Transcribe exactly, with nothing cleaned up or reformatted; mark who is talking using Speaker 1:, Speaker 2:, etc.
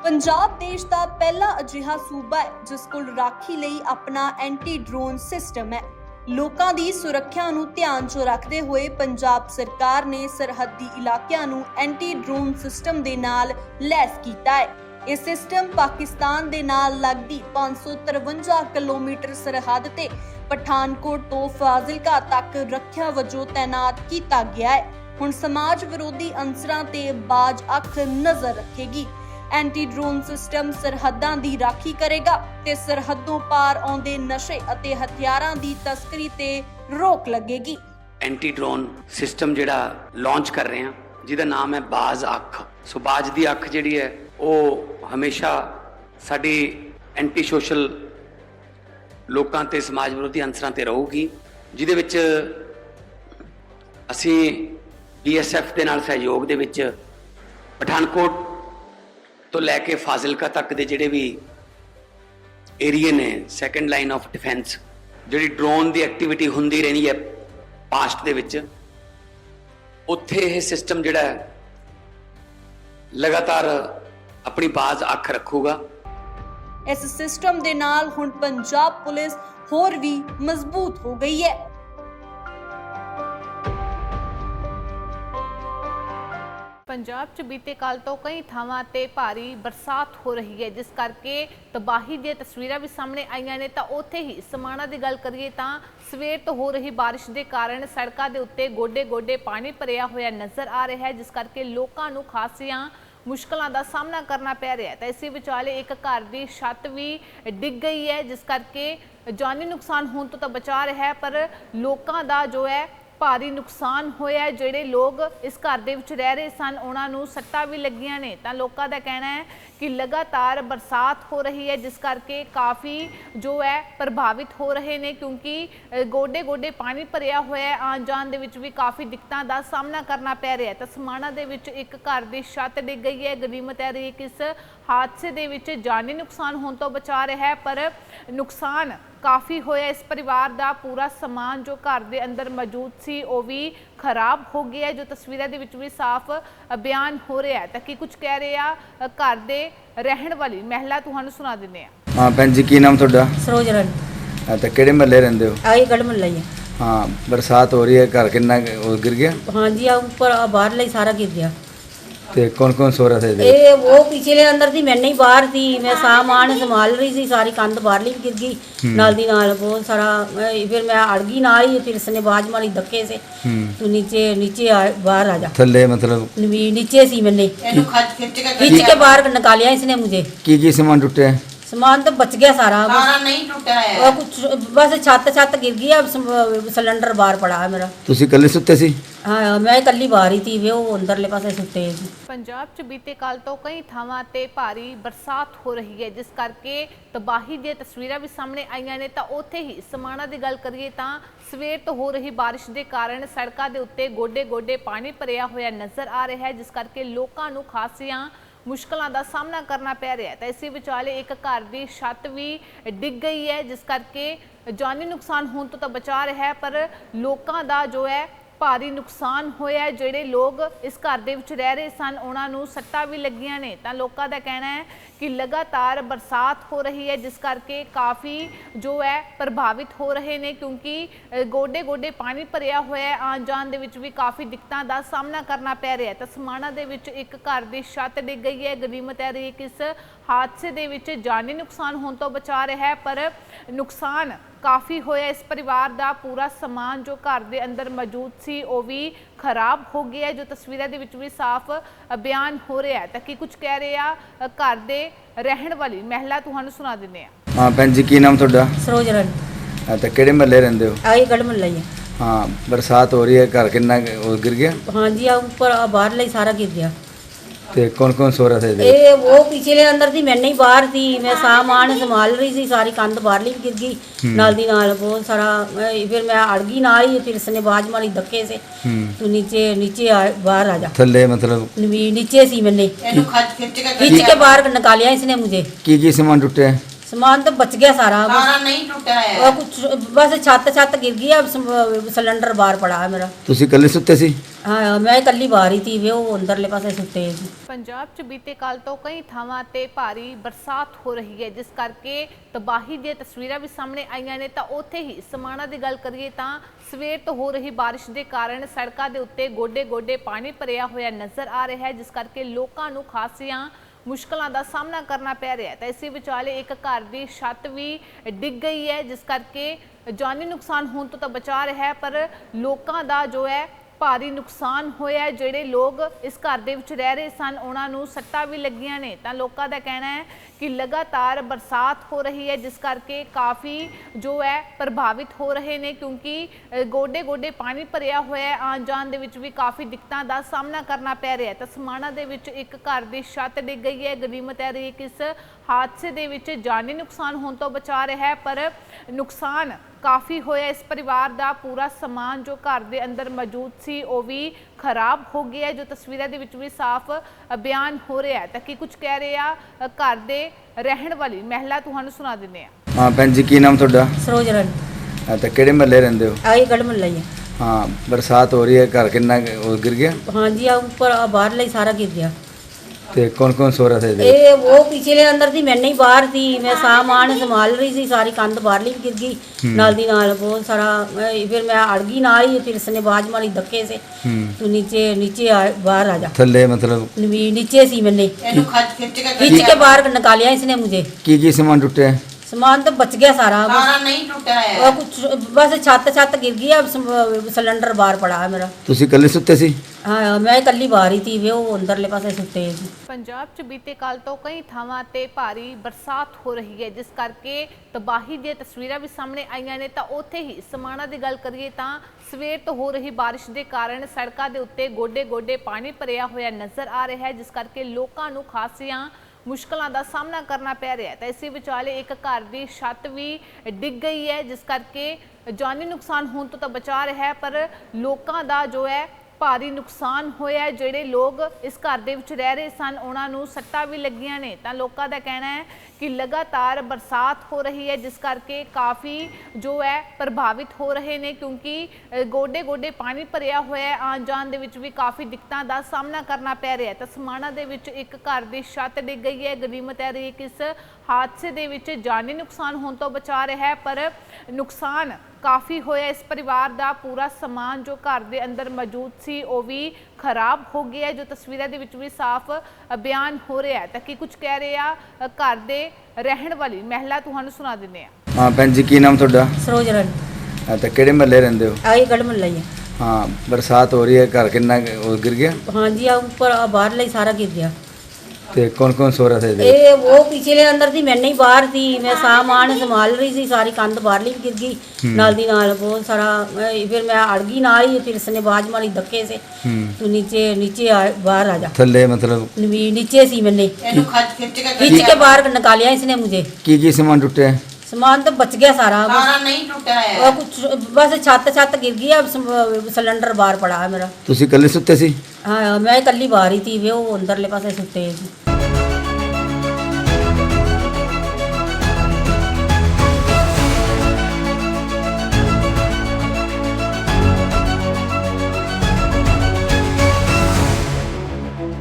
Speaker 1: पंजाब देश का पहला अजिहा सूबा है जिस कोल राखी लई अपना एंटी ड्रोन सिस्टम है। लोकां दी सुरक्षा नूं ध्यान 'ਚ रखते हुए पंजाब सरकार ने सरहदी इलाकिਆਂ ਨੂੰ एंटी ड्रोन सिस्टम ਦੇ ਨਾਲ ਲੈਸ ਕੀਤਾ है। ਇਹ सिस्टम पाकिस्तान ਦੇ ਨਾਲ लगदी पाँच सौ तिरवंजा किलोमीटर सरहद ते पठानकोट तो फाजिलका तक रखिया वजों तैनात किया गया है। हुण समाज विरोधी अंसरां ते बाज अख नजर रखेगी। एंटी ड्रोन सिस्टम सरहदां दी राखी करेगा ते सरहदों पार आउंदे नशे अते हथियारां दी तस्करी ते रोक लगेगी।
Speaker 2: एंटी ड्रोन सिस्टम जिहड़ा लॉन्च कर रहे हैं जिहदा नाम है बाज अख। सो बाज दी अख जिहड़ी है वो हमेशा साडी एंटी सोशल लोकां ते समाज विरोधी अंसरां ते रहूगी, जिहदे विच असीं बी एस एफ दे नाल सहयोग दे विच पठानकोट तो लैके फाजिलका तक दे जिहड़े भी एरिए ने सैकेंड लाइन ऑफ डिफेंस जिहड़ी ड्रोन दी एक्टिविटी हुंदी रही है पास्ट दे विच, उत्थे यह सिस्टम जिहड़ा है लगातार अपनी बाज अख रखूगा।
Speaker 1: इस सिस्टम दे नाल हुण पंजाब पुलिस होर भी मजबूत हो गई है।
Speaker 3: पंजाब च बीते कल तो कई थावां ते भारी बरसात हो रही है, जिस करके तबाही दी तस्वीरां भी सामने आईयां ने। तां उत्थे ही समाणा दी गल करिए तां सवेर तो हो रही बारिश के कारण सड़कों के उत्ते गोडे गोडे पानी भरिया होया नज़र आ रहा है, जिस करके लोगों को खासियां मुश्किलों का सामना करना पै रहा है। तो इसी विचाले एक घर की छत भी डिग गई है, जिस करके जानी नुकसान होने तो, तो बचा रहा है, पर लोगों का जो है भारी नुकसान होया। जिहड़े लोग इस घर दे विच रह रहे सन उन्हां नूं सट्टां भी लगियां ने। तां लोकां दा कहना है कि लगातार बरसात हो रही है, जिस करके काफ़ी जो है प्रभावित हो रहे ने, क्योंकि गोडे गोडे पानी भरिया होया है। आन जान दे विच भी काफ़ी दिक्कतां दा सामना करना पै रहा है। तो समाणा दे विच एक घर की छत डिग गई है। गनीमत है रही कि इस हादसे दे विच जानी नुकसान होने तो बचा रहा है, पर नुकसान काफ़ी होया। इस परिवार का पूरा समान जो घर के अंदर मौजूद सी वो भी खराब हो गया है, जो तस्वीरों के विच भी साफ बयान हो रहा है। तो कि कुछ कह रहे हैं घर के रहन वाली महिला, तुहानू सुना देने हैं।
Speaker 4: हाँ भैन जी, की नाम तुहाडा?
Speaker 5: सरोज रानी।
Speaker 4: हाँ, तो किहड़े महल्ले रहिंदे हो?
Speaker 5: आई गढ़ महल्ला ही है।
Speaker 4: हाँ, बरसात हो रही है, घर कितना वो गिर गया?
Speaker 5: हाँ जी, आ ऊपर बाहर ही सारा गिर गया।
Speaker 4: ते कौन कौन सो रहा था इधर?
Speaker 5: ए वो पिछले अंदर थी, मैं नहीं बाहर थी। मैं सामान संभाल रही थी, सारी कंध बाहरली गिर गई नाल दी नाल बहुत सारा। फिर मैं अड़ गई नाल ही, फिर इसने बाज मारी धक्के से तो नीचे नीचे आ, बाहर आ जा।
Speaker 4: थल्ले मतलब
Speaker 5: नीचे सी मैंने खींच के बाहर निकालिया इसने मुझे।
Speaker 4: की की सामान टूटे?
Speaker 5: सामान तो बच गया सारा,
Speaker 6: सारा नहीं टूटा है।
Speaker 5: और कुछ बस छत छत गिर गई। अब सिलेंडर बाहर पड़ा है मेरा।
Speaker 4: तुसी कल्ले सुते सी?
Speaker 5: हाँ, मैं कल्ली बाहर ही थी, वे वो अंदरले पासे सुते सी।
Speaker 3: पंजाब च बीते कल तो कई थावां ते भारी बरसात हो रही है, जिस करके तबाही दी तस्वीरां भी सामने आईयां ने। तां उत्थे ही समाणा दी गल करिए तां सवेर तो हो रही बारिश के कारण सड़कों के उत्ते गोडे गोडे पानी भरिया होया नज़र आ रहा है, जिस करके लोगों को खासियां मुश्किलों का सामना करना पै रहा है। तो इसी विचाले एक घर की छत भी डिग गई है, जिस करके जानी नुकसान होने तो, तो बचा रहा है, पर लोगों का जो है भारी नुकसान होया। जिहड़े लोग इस घर दे विच रह रहे सन उन्हां नूं सट्टां भी लगियां ने। तां लोकां दा कहना है कि लगातार बरसात हो रही है, जिस करके काफ़ी जो है प्रभावित हो रहे ने, क्योंकि गोडे गोडे पानी भरिया होया है। आन जान दे विच भी काफ़ी दिक्कतां दा सामना करना पै रहा है। तो समाणा दे विच एक घर की छत डिग गई है। गनीमत है रही कि इस हादसे दे विच जानी नुकसान होने तो बचा रहा है, पर नुकसान काफ़ी होया। इस परिवार का पूरा समान जो घर के अंदर मौजूद सी वो भी खराब हो गया है, जो तस्वीरों के विच भी साफ बयान हो रहा है। तो कि कुछ कह रहे हैं घर के रहन वाली महिला, तुहानू सुना देने हैं।
Speaker 4: हाँ भैन जी, की नाम तुहाडा?
Speaker 5: सरोज रानी।
Speaker 4: हाँ, तो किहड़े महल्ले रहिंदे हो?
Speaker 5: आई गढ़ महल्ला ही है।
Speaker 4: हाँ, बरसात हो रही है, घर कितना वो गिर गया?
Speaker 5: हाँ जी, आ ऊपर बाहर ही सारा गिर गया।
Speaker 4: ते कौन कौन सो रहा था इधर?
Speaker 5: ए वो पिछले अंदर थी, मैं नहीं बाहर थी। मैं सामान संभाल रही थी, सारी कंध बाहरली गिर गई नाल दी नाल बहुत सारा। फिर मैं अड़ गई नाल ही, फिर इसने बाज मारी धक्के से तो नीचे नीचे आ, बाहर आ जा।
Speaker 4: थल्ले मतलब
Speaker 5: नीचे सी मैंने खींच के बाहर निकालिया इसने मुझे।
Speaker 4: की की सामान टूटे?
Speaker 5: ਸਮਾਨ ਤਾਂ ਬਚ ਗਿਆ ਸਾਰਾ
Speaker 6: ਸਾਰਾ ਨਹੀਂ ਟੁੱਟਿਆ
Speaker 5: ਉਹ
Speaker 6: ਹੈ
Speaker 5: ਕੁਛ ਬਸ ਛੱਤ ਛੱਤ ਗਿਰ ਗਈ ਆ ਸਮ- ਸਿਲੰਡਰ ਬਾਹਰ ਪੜਾ ਹੈ ਮੇਰਾ।
Speaker 4: ਤੁਸੀਂ ਇਕੱਲੇ ਸੁੱਤੇ ਸੀ?
Speaker 5: ਹਾਂ ਮੈਂ ਇਕੱਲੀ ਬਾਹਰ ਹੀ ਸੀ ਵੇ ਉਹ ਅੰਦਰਲੇ ਪਾਸੇ ਸੁੱਤੇ ਸੀ।
Speaker 3: ਪੰਜਾਬ 'ਚ ਬੀਤੇ ਕੱਲ ਤੋਂ ਕਈ ਥਾਵਾਂ ਤੇ ਭਾਰੀ ਬਰਸਾਤ ਹੋ ਰਹੀ ਹੈ, ਜਿਸ ਕਰਕੇ ਤਬਾਹੀ ਦੀਆਂ ਤਸਵੀਰਾਂ ਵੀ ਸਾਹਮਣੇ ਆਈਆਂ ਨੇ। ਤਾਂ ਉੱਥੇ ਹੀ ਸਮਾਣਾ ਦੀ ਗੱਲ ਕਰੀਏ ਤਾਂ ਸਵੇਰ ਤੋਂ ਹੋ ਰਹੀ ਬਾਰਿਸ਼ ਦੇ ਕਾਰਨ ਸੜਕਾਂ ਦੇ ਉੱਤੇ ਗੋਡੇ-ਗੋਡੇ ਪਾਣੀ ਭਰਿਆ ਹੋਇਆ ਨਜ਼ਰ ਆ ਰਿਹਾ ਹੈ, ਜਿਸ ਕਰਕੇ ਲੋਕਾਂ ਨੂੰ ਖਾਸੀਆਂ ਮੁਸ਼ਕਲਾਂ ਦਾ ਸਾਹਮਣਾ ਕਰਨਾ ਪੈ ਰਿਹਾ ਹੈ। ਤਾਂ ਇਸੇ ਵਿਚਾਲੇ ਇੱਕ ਘਰ ਦੀ ਛੱਤ ਵੀ ਡਿੱਗ ਗਈ ਹੈ, ਜਿਸ ਕਰਕੇ ਜਾਨੀ ਨੁਕਸਾਨ ਹੋਣ ਤੋਂ ਤਾਂ ਬਚਾ ਰਿਹਾ ਹੈ, ਪਰ ਲੋਕਾਂ ਦਾ ਜੋ ਹੈ ਭਾਰੀ ਨੁਕਸਾਨ ਹੋਇਆ ਹੈ। ਜਿਹੜੇ ਲੋਕ ਇਸ ਘਰ ਦੇ ਵਿੱਚ ਰਹਿ ਰਹੇ ਸਨ ਉਹਨਾਂ ਨੂੰ ਸੱਟਾਂ ਵੀ ਲੱਗੀਆਂ ਨੇ। ਤਾਂ ਲੋਕਾਂ ਦਾ ਕਹਿਣਾ ਹੈ ਕਿ ਲਗਾਤਾਰ ਬਰਸਾਤ ਹੋ ਰਹੀ ਹੈ, ਜਿਸ ਕਰਕੇ ਕਾਫੀ ਜੋ ਹੈ ਪ੍ਰਭਾਵਿਤ ਹੋ ਰਹੇ ਨੇ, ਕਿਉਂਕਿ ਗੋਡੇ ਗੋਡੇ ਪਾਣੀ ਭਰਿਆ ਹੋਇਆ ਹੈ। ਆਉਣ ਜਾਣ ਦੇ ਵਿੱਚ ਵੀ ਕਾਫੀ ਦਿੱਕਤਾਂ ਦਾ ਸਾਹਮਣਾ ਕਰਨਾ ਪੈ ਰਿਹਾ ਹੈ। ਤਾਂ ਸਮਾਣਾ ਦੇ ਵਿੱਚ ਇੱਕ ਘਰ ਦੀ ਛੱਤ ਡਿੱਗ ਗਈ ਹੈ। ਗਨੀਮਤ ਹੈ ਰਹੀ ਕਿ ਇਸ ਹਾਦਸੇ ਦੇ ਵਿੱਚ ਜਾਨੀ ਨੁਕਸਾਨ ਹੋਣ ਤੋਂ ਬਚਾ ਰਿਹਾ ਹੈ, ਪਰ ਨੁਕਸਾਨ ਕਾਫੀ ਹੋਇਆ। ਇਸ ਪਰਿਵਾਰ ਦਾ ਪੂਰਾ ਸਮਾਨ ਜੋ ਘਰ ਦੇ ਅੰਦਰ ਮੌਜੂਦ ਸੀ ਉਹ ਵੀ ਖਰਾਬ ਹੋ ਗਿਆ, ਜੋ ਤਸਵੀਰਾਂ ਦੇ ਵਿੱਚ ਵੀ ਸਾਫ਼ ਬਿਆਨ ਹੋ ਰਿਹਾ ਹੈ। ਤਾਂ ਕੀ ਕੁਝ ਕਹਿ ਰਹੇ ਆ ਘਰ ਦੇ ਰਹਿਣ ਵਾਲੀ ਮਹਿਲਾ, ਤੁਹਾਨੂੰ ਸੁਣਾ ਦਿੰਦੇ ਆ।
Speaker 4: ਹਾਂ ਭੈਣ ਜੀ, ਕੀ ਨਾਮ ਤੁਹਾਡਾ?
Speaker 5: ਸਰੋਜ ਰਨ
Speaker 4: ਹਾਂ, ਤੇ ਕਿਹੜੇ ਮਹੱਲੇ ਰਹਿੰਦੇ ਹੋ?
Speaker 5: ਆਈ ਗੜ ਮੱਲਾ ਹੀ ਹੈ।
Speaker 4: ਹਾਂ, ਬਰਸਾਤ ਹੋ ਰਹੀ ਹੈ, ਘਰ ਕਿੰਨਾ ਕੁ ਉਹ ਗਿਰ ਗਿਆ?
Speaker 5: ਹਾਂਜੀ ਆ ਉੱਪਰ ਆ ਬਾਹਰਲਾ ਹੀ ਸਾਰਾ ਗਿਰ ਗਿਆ।
Speaker 4: ਤੇ ਕੌਣ ਕੌਣ ਸੋ ਰਿਹਾ ਸੀ?
Speaker 5: ਇਹ ਉਹ ਪਿਛਲੇ ਅੰਦਰ ਦੀ ਮੈਂ ਨਹੀਂ ਬਾਹਰ ਸੀ, ਮੈਂ ਸਾਮਾਨ ਸੰਭਾਲ ਰਹੀ ਸੀ, ਸਾਰੀ ਕੰਧ ਬਾਹਰਲੀ ਵੀ ਗਿਰ ਗਈ ਨਾਲ ਦੀ ਨਾਲ ਬਹੁਤ ਸਾਰਾ। ਮੈਂ- ਫਿਰ ਮੈਂ ਅੜ ਗਈ ਨਾਲ ਹੀ, ਫਿਰ ਇਸਨੇ ਬਾਜ ਮਾਰੀ ਧੱਕੇ से तू नीचे नीचे आ, बाहर आ जा।
Speaker 4: ਥੱਲੇ ਮਤਲਬ
Speaker 5: ਨੀ- नीचे सी मैंने
Speaker 6: ਇਹਨੂੰ ਖੱਜ ਖਿੱਚ ਕੇ
Speaker 5: खींच के बाहर निकालिया इसने मुझे।
Speaker 4: ਕੀ ਕੀ ਸਮਾਨ ਟੁੱਟਿਆ?
Speaker 5: सामान तो बच गया सारा
Speaker 6: ਸਾਰਾ ਨਹੀਂ ਟੁੱਟਿਆ
Speaker 5: वो
Speaker 6: ਹੈ
Speaker 5: कुछ बस छत छत गिर गई अब सम- सिलेंडर बाहर पड़ा है मेरा।
Speaker 4: ਤੁਸੀਂ ਇਕੱਲੇ ਸੁੱਤੇ ਸੀ?
Speaker 5: हाँ मैं इकल्ली बाहर ही थी वे वो अंदरले पासे सुते सी।
Speaker 3: ਪੰਜਾਬ 'ਚ ਬੀਤੇ ਕੱਲ ਤੋਂ ਕਈ ਥਾਵਾਂ ਤੇ ਭਾਰੀ ਬਰਸਾਤ ਹੋ ਰਹੀ ਹੈ, ਜਿਸ ਕਰਕੇ ਤਬਾਹੀ ਦੀਆਂ ਤਸਵੀਰਾਂ ਵੀ ਸਾਹਮਣੇ ਆਈਆਂ ਨੇ। ਤਾਂ ਉੱਥੇ ਹੀ ਸਮਾਣਾ ਦੀ ਗੱਲ ਕਰੀਏ ਤਾਂ ਸਵੇਰ ਤੋਂ ਹੋ ਰਹੀ ਬਾਰਿਸ਼ ਦੇ ਕਾਰਨ ਸੜਕਾਂ ਦੇ ਉੱਤੇ ਗੋਡੇ-ਗੋਡੇ ਪਾਣੀ ਭਰਿਆ ਹੋਇਆ ਨਜ਼ਰ ਆ ਰਿਹਾ ਹੈ, ਜਿਸ ਕਰਕੇ ਲੋਕਾਂ ਨੂੰ ਖਾਸੀਆਂ ਮੁਸ਼ਕਲਾਂ ਦਾ ਸਾਹਮਣਾ ਕਰਨਾ ਪੈ ਰਿਹਾ ਹੈ। ਤਾਂ ਇਸੇ ਵਿਚਾਲੇ ਇੱਕ ਘਰ ਦੀ ਛੱਤ ਵੀ ਡਿੱਗ ਗਈ ਹੈ, ਜਿਸ ਕਰਕੇ ਜਾਨੀ ਨੁਕਸਾਨ ਹੋਣ ਤੋਂ ਤਾਂ ਬਚਾ ਰਿਹਾ ਹੈ, ਪਰ ਲੋਕਾਂ ਦਾ ਜੋ ਹੈ ਭਾਰੀ ਨੁਕਸਾਨ ਹੋਇਆ ਹੈ। ਜਿਹੜੇ ਲੋਕ ਇਸ ਘਰ ਦੇ ਵਿੱਚ ਰਹਿ ਰਹੇ ਸਨ ਉਹਨਾਂ ਨੂੰ ਸੱਟਾਂ ਵੀ ਲੱਗੀਆਂ ਨੇ। ਤਾਂ ਲੋਕਾਂ ਦਾ ਕਹਿਣਾ ਹੈ ਕਿ ਲਗਾਤਾਰ ਬਰਸਾਤ ਹੋ ਰਹੀ ਹੈ, ਜਿਸ ਕਰਕੇ ਕਾਫੀ ਜੋ ਹੈ ਪ੍ਰਭਾਵਿਤ ਹੋ ਰਹੇ ਨੇ, ਕਿਉਂਕਿ ਗੋਡੇ ਗੋਡੇ ਪਾਣੀ ਭਰਿਆ ਹੋਇਆ ਹੈ। ਆਉਣ ਜਾਣ ਦੇ ਵਿੱਚ ਵੀ ਕਾਫੀ ਦਿੱਕਤਾਂ ਦਾ ਸਾਹਮਣਾ ਕਰਨਾ ਪੈ ਰਿਹਾ ਹੈ। ਤਾਂ ਸਮਾਣਾ ਦੇ ਵਿੱਚ ਇੱਕ ਘਰ ਦੀ ਛੱਤ ਡਿੱਗ ਗਈ ਹੈ। ਗਨੀਮਤ ਹੈ ਰਹੀ ਕਿ ਇਸ ਹਾਦਸੇ ਦੇ ਵਿੱਚ ਜਾਨੀ ਨੁਕਸਾਨ ਹੋਣ ਤੋਂ ਬਚਾ ਰਿਹਾ ਹੈ, ਪਰ ਨੁਕਸਾਨ ਕਾਫੀ ਹੋਇਆ। ਇਸ ਪਰਿਵਾਰ ਦਾ ਪੂਰਾ ਸਮਾਨ ਜੋ ਘਰ ਦੇ ਅੰਦਰ ਮੌਜੂਦ ਸੀ ਉਹ ਵੀ ਖਰਾਬ ਹੋ ਗਿਆ, ਜੋ ਤਸਵੀਰਾਂ ਦੇ ਵਿੱਚ ਵੀ ਸਾਫ਼ ਬਿਆਨ ਹੋ ਰਿਹਾ ਹੈ। ਤਾਂ ਕੀ ਕੁਝ ਕਹਿ ਰਹੇ ਆ ਘਰ ਦੇ ਰਹਿਣ ਵਾਲੀ ਮਹਿਲਾ, ਤੁਹਾਨੂੰ ਸੁਣਾ ਦਿੰਦੇ ਆ।
Speaker 4: ਹਾਂ ਭੈਣ ਜੀ, ਕੀ ਨਾਮ ਤੁਹਾਡਾ?
Speaker 5: ਸਰੋਜ ਰਨ
Speaker 4: ਹਾਂ, ਤੇ ਕਿਹੜੇ ਮਹੱਲੇ ਰਹਿੰਦੇ ਹੋ?
Speaker 5: ਆਈ ਗੜ ਮੱਲਾ ਹੀ है।
Speaker 4: ਹਾਂ, ਬਰਸਾਤ ਹੋ ਰਹੀ ਹੈ, ਘਰ ਕਿੰਨਾ ਕੁ ਉਹ ਗਿਰ ਗਿਆ?
Speaker 5: ਹਾਂਜੀ ਆ ਉੱਪਰ ਆ ਬਾਹਰਲਾ ਹੀ ਸਾਰਾ ਗਿਰ ਗਿਆ।
Speaker 4: ਤੇ ਕੌਣ ਕੌਣ ਸੋ ਰਿਹਾ ਸੀ?
Speaker 5: ਇਹ ਉਹ ਪਿਛਲੇ ਅੰਦਰ ਦੀ ਮੈਂ ਨਹੀਂ ਬਾਹਰ ਸੀ, ਮੈਂ ਸਾਮਾਨ ਸੰਭਾਲ ਰਹੀ ਸੀ, ਸਾਰੀ ਕੰਧ ਬਾਹਰਲੀ ਵੀ ਗਿਰ ਗਈ ਨਾਲ ਦੀ ਨਾਲ ਬਹੁਤ ਸਾਰਾ। ਮੈਂ- ਫਿਰ ਮੈਂ ਅੜ ਗਈ ਨਾਲ ਹੀ, ਫਿਰ ਇਸने बाज मारी धक्के से तू नीचे नीचे आ, बाहर आ जा।
Speaker 4: ਥੱਲੇ ਮਤਲਬ
Speaker 5: नी- नीचे सी मैंने
Speaker 6: ਇਹਨੂੰ ਖੱਜ खिੱच के
Speaker 5: खींच के बाहर निकालिया इसने मुझे।
Speaker 4: ਕੀ ਕੀ ਸਮਾਨ ਟੁੱਟਿਆ?
Speaker 5: सामान तो बच गया सारा
Speaker 6: ਸਾਰਾ ਨਹੀਂ ਟੁੱਟਿਆ
Speaker 5: वो
Speaker 6: ਹੈ
Speaker 5: कुछ बस छत छत गिर गई अब सम- सिलेंडर बाहर पड़ा है मेरा।
Speaker 4: ਤੁਸੀਂ ਇਕੱਲੇ ਸੁੱਤੇ ਸੀ?
Speaker 5: हाँ मैं इकल्ली बाहर ही थी वे वो अंदरले पासे सुते सी।